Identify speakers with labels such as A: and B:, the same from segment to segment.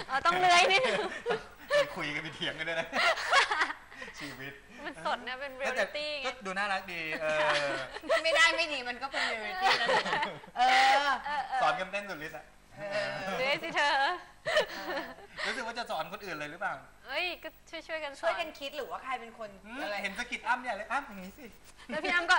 A: ต้องเลื้อยนิดนึง
B: คุยกันไปเถียงกันด้วยนะชีวิต
A: มันสดนะเป็นเรียลลิตี้ไง
B: ก็ดูน่ารักดี
C: ไม่ได้ไม่ดีมันก็เป็นเรียลลิตี้นะ
B: สอนกันเต้นสุดฤทธิ์อ่ะ
A: เลื้อยสิเธอ
B: รู้สึกว่าจะสอนคนอื่นเลยหรือเปล่า
A: เอ้ยก็ช่วยกัน
C: คิดหรือว่าใครเป็นคน
B: อะไรเห็นสกิดอ้ำเนี่ยเลยอ้ำอย่างนี้สิ
A: แล้วพี่อ้ำก็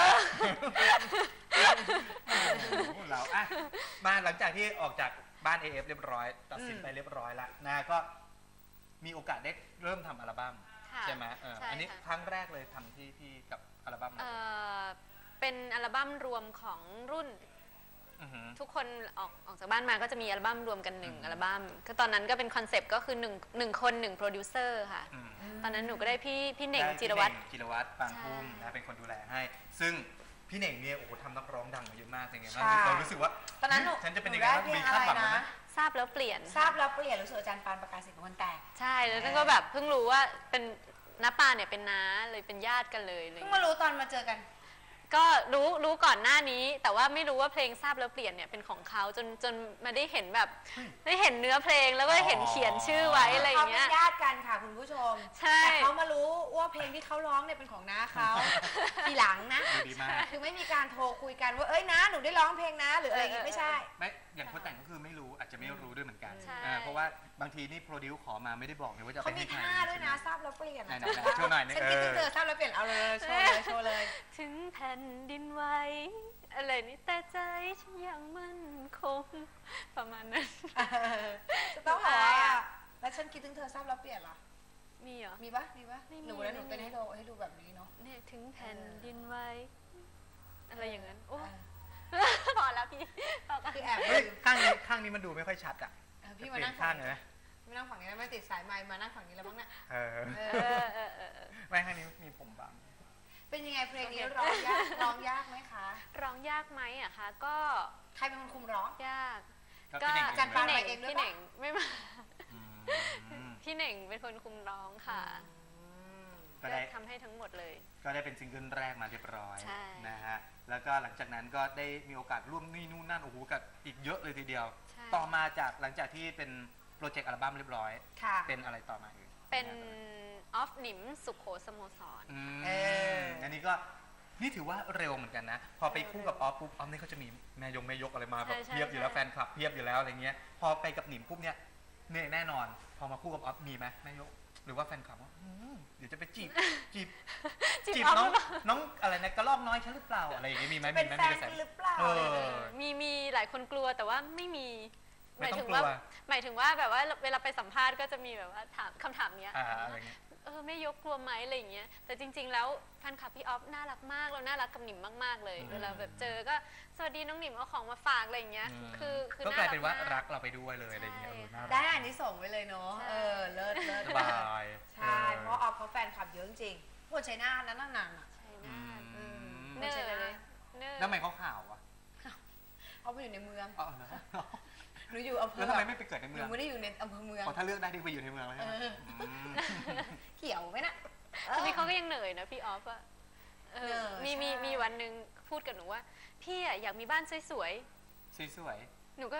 B: เรามาหลังจากที่ออกจากบ้าน AF เรียบร้อยตัดสินไปเรียบร้อยแล้วนะก็มีโอกาสได้เริ่มทำอัลบั้มใช่ไหมอันนี้ครั้งแรกเลยทำที่กับอัลบั้ม
A: เป็นอัลบั้มรวมของรุ่นทุกคนออกจากบ้านมาก็จะมีอัลบั้มรวมกัน1อัลบั้มก็ตอนนั้นก็เป็นคอนเซปต์ก็คือ1คน1โปรดิวเซอร์ค่ะตอนนั้นหนูก็ได้พี่เหน่งจิรวัตร
B: ปานพุ่มนะเป็นคนดูแลให้ซึ่งพี่เหน่งเนี่ยโอ้โหทำนักร้องดังมาเยอะมากจริงๆเรารู้สึกว่า
C: ตอนนั้น
B: ฉันจะเป็นยังไงมีคาดหวังนะ
A: ทราบแล้วเปลี่ยน
C: รู้สึกอาจารย์ปานประกาศสิทธิ์คนแต่ง
A: ใช่แล้วนั่นก็แบบเพิ่งรู้ว่าเป็นน้าปานเนี่ยเป็นน้าเลยเป็นญาติกันเลย
C: เพิ่งมารู้ตอนมาเจอกัน
A: ก็รู้ก่อนหน้านี้แต่ว่าไม่รู้ว่าเพลงทราบแล้วเปลี่ยนเนี่ยเป็นของเขาจนมาได้เห็นแบบได้เห็นเนื้อเพลงแล้วก็เห็นเขียนชื่อไว้อะไรอย่างเงี้ย
C: เขาเป็นญาติกันค่ะคุณผู้ชมแต่เขามารู้ว่าเพลงที่เขาร้องเนี่ยเป็นของน้าเขาทีหลังนะคือไม่มีการโทรคุยกันว่าเอ้ยนะหนูได้ร้องเพลงนะหรืออะไรอย่างงี้ไม่ใช่
B: ไม่อย่างคนแต่งก็คือไม่รู้อาจจะไม่รู้ด้วยเหมือนกันเพราะว่าบางทีนี่โปรดิวขอมาไม่ได้บอกเลยว่าจะเป็น
C: ใครเขามีท่าด้วยนะทราบแล้วเปลี่ยน
B: โชว์หน่อย
C: ฉันคิดถึงเธอทราบแล้วเปลี่ยนเอาเลยโชว์เลย
A: ถึงแผ่นดินไหวอะไรนี่แต่ใจฉันยังมั่นคงประมาณนั้น
C: จะต้องบอกว่าแล้วฉันคิดถึงเธอทราบแล้วเปลี่ยนเหรอ
A: มีเหรอ
C: มีปะหนูแล้วหนูเต้นให้ดูแบบนี้เนาะ
A: เนี่ยถึงแผ่นดินไหวอะไรอย่างนั้นโอ้พอแล้วพี่
C: คือแอบ
B: ข้างนี้มันดูไม่ค่อยชัดอ่ะ
C: พี่มานั่งข้างไหนไม่นั่งฝั่งนี้ไม่ติดสายไมค์มานั่งฝั่งนี้แล้วมั้งเนี่ย
B: ไม่ข้างนี้มีผมบัง
C: เป็นยังไงเพลงนี้ร้องยากไหมคะ
A: ร้องยากไหมอะคะก็
C: ใครเป็นคนคุมร้อง
A: ยากก็
C: จันปาไปเองด้วย
A: พี่เหน่งไม่มาพี่เหน่งเป็นคนคุมร้องค่ะก็ได้ทำให้ทั้งหมดเลย
B: ก็ได้เป็นซิงเกิลแรกมาเรียบร้อยนะฮะแล้วก็หลังจากนั้นก็ได้มีโอกาสร่วมนี่นู่นนั่นโอ้โหกับอีกเยอะเลยทีเดียวต่อมาจากหลังจากที่เป็นโปรเจกต์อัลบั้มเรียบร้อยเป็นอะไรต่อมาอีก
A: เป็นออฟหนิมสุโขสโมสร
B: อันนี้ก็นี่ถือว่าเร็วเหมือนกันนะพอไปคู่กับออฟปุ๊บออฟนี่เขาจะมีแม่ยกอะไรมาแบบเพียบอยู่แล้วแฟนคลับเพียบอยู่แล้วอะไรเงี้ยพอไปกับหนิมปุ๊บเนี่ยแน่นอนพอมาคู่กับออฟมีไหมแม่ยกหรือว่าแฟนคลับว่าเดี๋ยวจะไปจีบน้องอะไรนะกระลอกน้อยฉันหรือเปล่าอะไรอย่างเงี้ยมีไหม
C: เป็นแฟนกันหรือเปล่า
A: มีหลายคนกลัวแต่ว่าไม่มีหมายถึงว่าแบบว่าเวลาไปสัมภาษณ์ก็จะมีแบบว่าถามคำถามเนี้ยไม่ยกกลัวไหมอะไรอย่างเงี้ยแต่จริงๆแล้วแฟนคลับพี่ออฟน่ารักมากเราน่ารักกับหนิมมากๆเลยเวลาแบบเจอก็สวัสดีน้องหนิมเอาของมาฝากอะไรอย่างเงี้ยคือ
B: ก็กลายเป็นว่ารักเราไปด้วยเลยอะไรอย่างเงี้ย
C: ได้อันนี้ส่งไว้เลยเนาะเลิศ
B: สบาย
C: ใช่เพราะออฟเขาแฟนคลับเยอะจริงคนชัยนาทนั้นนาน
A: เนื้อเลย
B: แล้วทำไมเขาข่าวอ่ะ
C: เขาไปอยู่ในเมืองหนูอยู่อำเภอ
B: แล้วทำไมไม่ไปเกิดในเมือง
C: หนูไม่ได้อยู่ในอำเภอเมือง
B: ถ้าเลือกได้ที่ไปอยู่ในเมืองเลย
C: เกี่ยวไหมนะ
A: ทีนี้เขาก็ยังเหนื่อยนะพี่ออฟอะมีวันหนึ่งพูดกับหนูว่าพี่อะอยากมีบ้านสวยหนูก็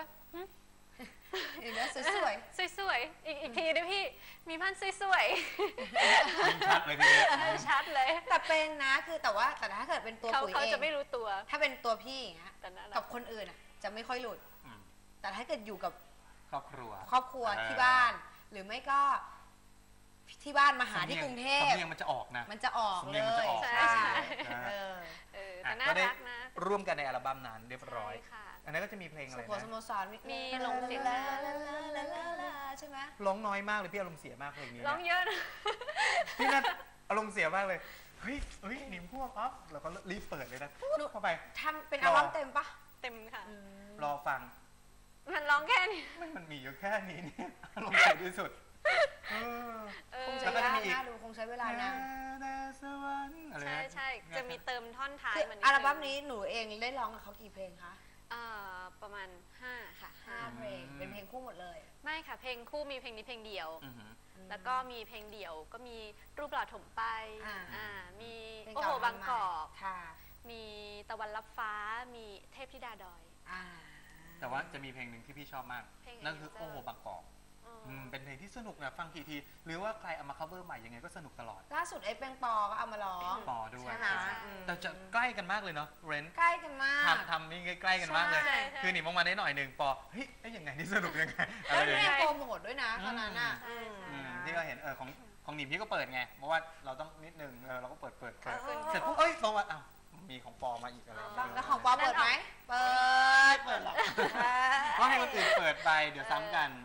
A: สวยอีกทีนะพี่มีบ้านสวย
B: ชัดเลยทีนี้
A: ชัดเลย
C: แต่เป็นนะคือแต่ถ้าเกิดเป็นตัวปุ๋ยเอง
A: เขาจะไม่รู้ตัว
C: ถ้าเป็นตัวพี่อย่างเงี้ยกับคนอื่นอะจะไม่ค่อยหลุดแต่ถ้าเกิดอยู่กับ
B: ครอบครัว
C: ที่บ้านหรือไม่ก็ที่บ้านมาหาที่กรุงเทพ
B: มันจะออกนะ
C: มันจะออกเลย
A: ใช่แต่น่ารักนะ
B: ร่วมกันในอัลบั้มนั้นเรียบร้อยอันนั้นก็จะมีเพลงอะไรนะ
C: สุโขสโมสร
A: มีลงเสียง
C: ใช่ไหม
B: ร้องน้อยมากเลยพี่อารมณ์เสียมากเพลงนี้
A: ร้องเยอะนะ
B: พี่นั่นอารมณ์เสียมากเลยเฮ้ยหนิมพวกอ๊อฟแล้วก็รีบเปิดเลยนะเข้าไป
C: ทำเป็นอัลบั้มเต็มปะ
A: เต็มค่ะ
B: รอฟัง
A: มันร้องแค่นี้
B: มันมีอยู่แค่นี้เนี่ยอารมณ์เสียที่สุด
C: คงใช้เวลาน่าดูคงใช้เวลานาน
A: ใช่จะมีเติมท่อนท้าย
C: มันอัลบั้มนี้หนูเองได้ร้องกับเขากี่เพลงคะ
A: ประมาณ5ค่ะ
C: 5เพลงเป็นเพลงคู่หมดเลย
A: ไม่ค่ะเพลงคู่มีเพลงนี้เพลงเดียวแล้วก็มีเพลงเดี่ยวก็มีรูปหล่อถมไปมีโอ้โหบางกอกมีตะวันรับฟ้ามีเทพธิดาดอย
B: แต่ว่าจะมีเพลงหนึ่งที่พี่ชอบมากนั่นคือโอ้โหบางกอกเป็นเพลงที่สนุกนะฟังกี่ทีหรือว่าใครเอามา cover ใหม่ยังไงก็สนุกตลอด
C: ล่าสุดไอ้แป้งปอก็เอามาร้อง
B: ปอด้วยแต่จะใกล้กันมากเลยเนาะเรน
C: ใกล้กันมาก
B: ทำนี่ใกล้กันมากเลยคือหนีมองมาได้หน่อยหนึ่งปอเฮ้ยยังไงนี่สนุกยังไง
C: แล้วเรียกโปรโมทด้วยนะตอนนั้นอ่ะ
B: ที่เราเห็นของหนิมพี่ก็เปิดไงเพราะว่าเราต้องนิดนึงเราก็เปิดเสร็จปุ๊บตรงมามีของปอมาอีกอะไร
C: แล้วของปอเปิดไหมเปิดหรอก
B: ก็ให้คนอื่นเปิดไปเดี๋ยวซ้ำกัน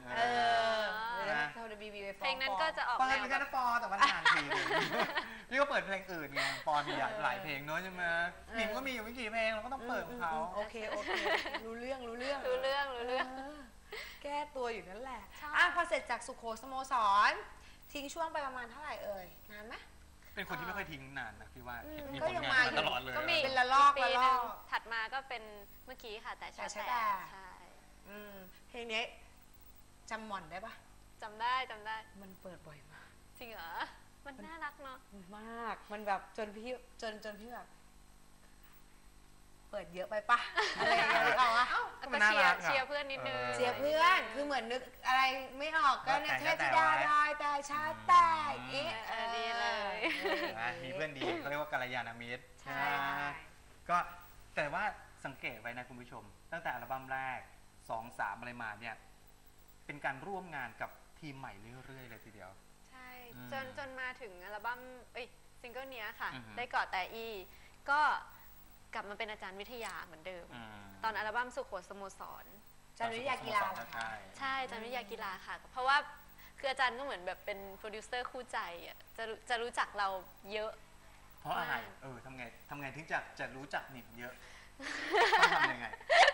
A: เพลงนั้นก็จะออก
B: แนวเปิดแค่ปอแต่ว่านานทีพี่ก็เปิดเพลงอื่นไงปอมีหลายเพลงเนอะใช่ไหมหนิมก็มีอยู่ไม่กี่เพลงเราก็ต้องเปิดของเขา
C: โอเครู้เรื่องแก้ตัวอยู่นั่นแหละพอเสร็จจากสุโขสโมสรทิ้งช่วงไปประมาณเท่าไหร่นานไหม
B: เป็นคนที่ไม่ค่อยทิ้งนานนะพี่ว่ามีผล
C: งาน
B: ตลอดเลย
A: ก็มี
C: เป็นละลอก
A: ถัดมาก็เป็นเมื่อกี้ค่ะแต่ใช่ใช่
C: เพลงนี้จำหม่อนได้ปะ
A: จำได้
C: มันเปิดบ่อยมาก
A: จริงเหรอมันน่ารักเนาะ
C: มากมันแบบจนพี่แบบเปิดเยอะไปปะอะไรอย่างเงี้ยเอาอะ
A: ก็เชียร์เพื่อนนิดนึง
C: เชียร์เพื่อนคือเหมือนนึกอะไรไม่ออกก็เนี่ยเทพธิดาได้แต่ชาแต่
A: ดีเลย
B: มีเพื่อนดีเขาเรียกว่ากัลยาณมิตรใช่ก็แต่ว่าสังเกตไว้นะคุณผู้ชมตั้งแต่อัลบั้มแรก2-3อะไรมาเนี่ยเป็นการร่วมงานกับทีมใหม่เรื่อยๆเลยทีเดียว
A: ใช่จนมาถึงอัลบั้มซิงเกิลนี้ค่ะได้กอดแต่อีก็กลับมาเป็นอาจารย์วิทยาเหมือนเดิมตอนอัลบั้มสุโขสโมสร
C: อาจารย์วิทยากีฬา
A: ใช่อาจารย์วิทยากีฬาค่ะเพราะว่าคืออาจารย์ก็เหมือนแบบเป็นโปรดิวเซอร์คู่ใจอ่ะจะรู้จักเราเยอะ
B: เพราะอะไรทำไงถึงจะรู้จักหนิมเยอะต้องทำยังไง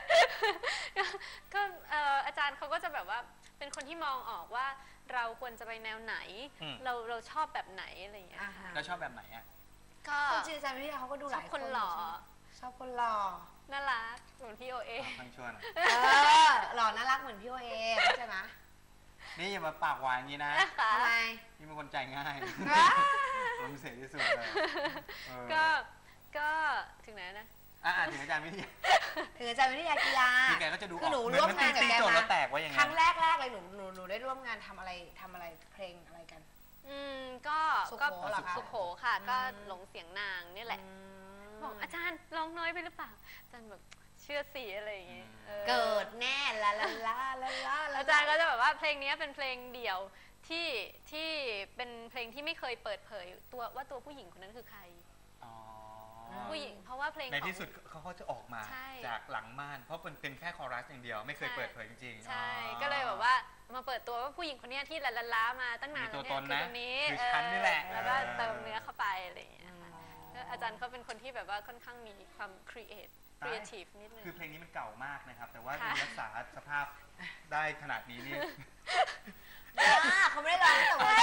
A: ก็อาจารย์เขาก็จะแบบว่าเป็นคนที่มองออกว่าเราควรจะไปแนวไหนเราชอบแบบไหนอะไรอย่างเงี้ย
B: แล้วชอบแบบไหนอ่ะ
C: ก็จริงอาจารย์วิทยาเขาก็ดูหลาย
A: คนหล่อ
C: ชอบคนหล่อ
A: น่ารักเหมือนพี่โอเอ
B: ทั้งชวน
C: หล่อน่ารักเหมือนพี่โอเอใช่ไหม
B: นี่อย่ามาปากหวานอย่างนี้นะ
C: ทำไม
B: นี่เป็นคนใจง่ายผมเสียที่สุดเลย
A: ก็ถึงไหนนะ
B: ถึงอาจารย์วิทยา
C: ถึงอาจารย์วิทยากีฬา
B: พี่แกก็จะดู
C: คือหนูร่วมงานกับแกมาครั้งแรกเลยหนูได้ร่วมงานทำอะไรเพลงอะไรกัน
A: ก็สุโขค่ะก็หลงเสียงนางนี่แหละบอกอาจารย์ร้องน้อยไปหรือเปล่าอาจารย์แบบเชื่อสีอะไรอย่างเงี้ย
C: เกิดแน่ละ
A: อาจารย์ก็จะแบบว่าเพลงนี้เป็นเพลงเดี่ยวที่เป็นเพลงที่ไม่เคยเปิดเผยตัวผู้หญิงคนนั้นคือใครผู้หญิงเพราะว่าเพลง
B: ในที่สุดเขาจะออกมาจากหลังม่านเพราะเป็นแค่คอรัสอย่างเดียวไม่เคยเปิดเผยจริง
A: ๆใช่ก็เลยแบบว่ามาเปิดตัวว่าผู้หญิงคนนี้ที่ล้ามาตั้งนาน
B: แล้ว
A: เนี่ยคือตรงนี้
B: ฉันนี่แหละ
A: แล้วก็เติมเนื้อเข้าไปอะไรอย่างเงี้ยอาจารย์เขาเป็นคนที่แบบว่าค่อนข้างมีความครีเอทีฟนิดนึง
B: คือเพลงนี้มันเก่ามากนะครับแต่ว่ารักษาสภาพได้ขนาดนี้นี่
C: เขาไม่ได้ร้องแต่ว่า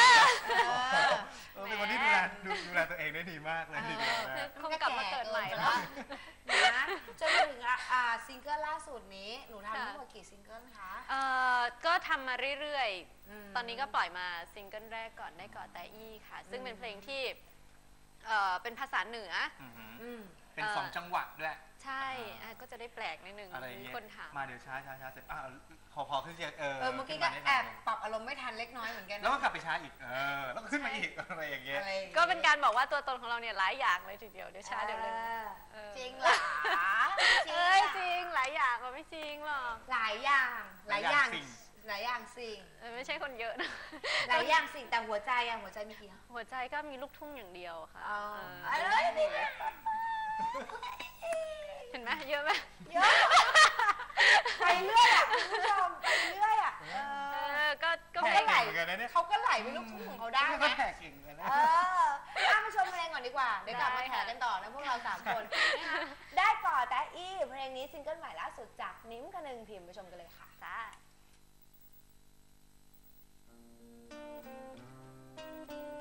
B: เป็นคนที่ดูแลตัวเองได้ดีมากเลยทีเดียว
A: คงกลับมาเกิดใหม่แล้ว
C: นะจนมาถึงซิงเกิลล่าสุดนี้หนูทำทั้งหมดกี่ซิงเกิลคะ
A: ก็ทำมาเรื่อยๆตอนนี้ก็ปล่อยมาซิงเกิลแรกก่อนได้กอดแต่อี้ค่ะซึ่งเป็นเพลงที่เป็นภาษาเหนือ
B: เป็น2จังหวะด้วย
A: ใช่ก็จะได้แปลกนิดนึงคนถาม
B: มาเดี๋ยวช้าเสร็จพอขึ้นเสียง
C: เมื่อกี้ก็แอบปรับอารมณ์ไม่ทันเล็กน้อยเหมือนกัน
B: แล้วก็กลับไปช้าอีกแล้วก็ขึ้นมาอีกอะไรอย่างเงี้ย
A: ก็เป็นการบอกว่าตัวตนของเราเนี่ยหลายอย่างเลยทีเดียวเดี๋ยวช้าเดี๋ยวเร็ว
C: จริงเหรอ
A: จริงหลายอย่างไม่จริงหรอก
C: หลายอย่างสิ่ง
A: ไม่ใช่คนเยอะนะ
C: หลายอย่างสิ่งแต่หัวใจมีกี่
A: หัวใจก็มีลูกทุ่งอย่างเดียวค่ะเห็นไหมเยอะไหม
C: เยอะไปเรื่อยคุณผู้ชมไปเรื่อย
A: ก็
C: ไหลเขาก็ไหลไปลูกทุ่งของเขาได้
B: นะแขกกิ่งกันนะ
C: มาชมเพลงก่อนดีกว่าเดี๋ยวกลับมาแถกันต่อนะพวกเรา3 คนได้ก่อแต่อี้เพลงนี้ซิงเกิลใหม่ล่าสุดจากนิ้มกระนึงพิมพ์ไปชมกันเลยค่ะ
A: จ้า